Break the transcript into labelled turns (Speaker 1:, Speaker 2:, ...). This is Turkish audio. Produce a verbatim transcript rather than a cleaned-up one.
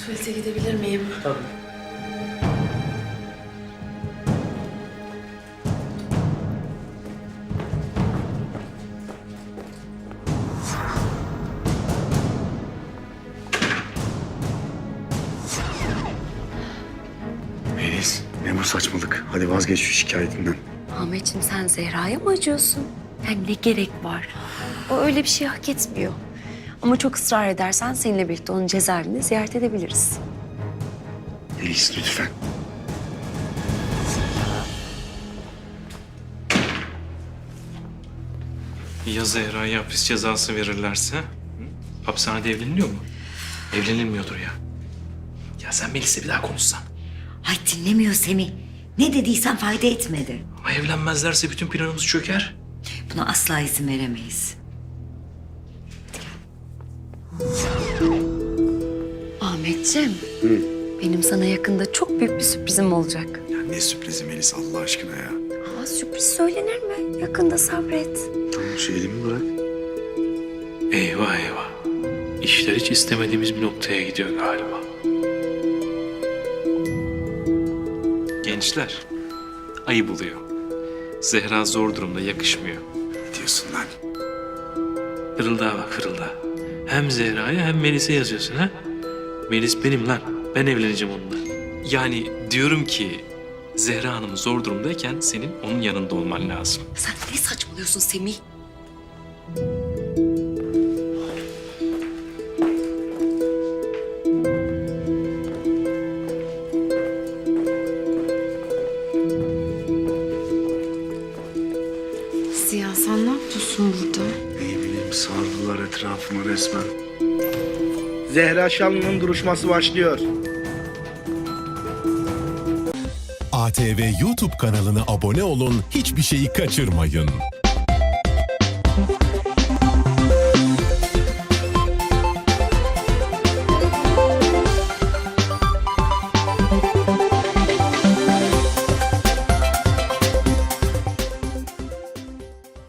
Speaker 1: Tuvalete gidebilir miyim?
Speaker 2: Tabii.
Speaker 3: Melis, ne bu saçmalık? Hadi vazgeç şu şikayetinden.
Speaker 4: Ahmetciğim sen Zehra'ya mı acıyorsun? Yani ne gerek var? O öyle bir şey hak etmiyor. Ama çok ısrar edersen seninle birlikte onun cezaevini ziyaret edebiliriz.
Speaker 3: Melis lütfen.
Speaker 2: Ya Zehra'ya hapis cezası verirlerse? Hı? Hapishanede evleniliyor mu? Evlenilmiyordur ya. Ya sen Melis'le bir daha konuşsan.
Speaker 5: Ay dinlemiyor Semih. Ne dediysen fayda etmedi.
Speaker 2: Ama evlenmezlerse bütün planımız çöker.
Speaker 5: Buna asla izin veremeyiz.
Speaker 4: Ahmetciğim, benim sana yakında çok büyük bir sürprizim olacak.
Speaker 3: Ya ne sürprizi Melis Allah aşkına ya.
Speaker 4: Aa, sürpriz söylenir mi? Yakında sabret.
Speaker 3: Tamam şu elimi bırak.
Speaker 2: Eyvah eyvah. İşler hiç istemediğimiz bir noktaya gidiyor galiba. Gençler, ayıp oluyor. Zehra zor durumda, yakışmıyor.
Speaker 3: Ne diyorsun lan?
Speaker 2: Fırıldağa bak fırıldağa. Hem Zehra'ya hem Melis'e yazıyorsun ha? Melis benim lan. Ben evleneceğim onunla. Yani diyorum ki Zehra Hanım zor durumdayken senin onun yanında olman lazım.
Speaker 4: Sen ne saçmalıyorsun Semih?
Speaker 1: Ziya sen ne yapıyorsun burada?
Speaker 3: Ne bileyim sardılar etrafıma resmen.
Speaker 6: Zehra Şanlı'nın duruşması başlıyor.
Speaker 7: A T V YouTube kanalına abone olun, hiçbir şeyi kaçırmayın.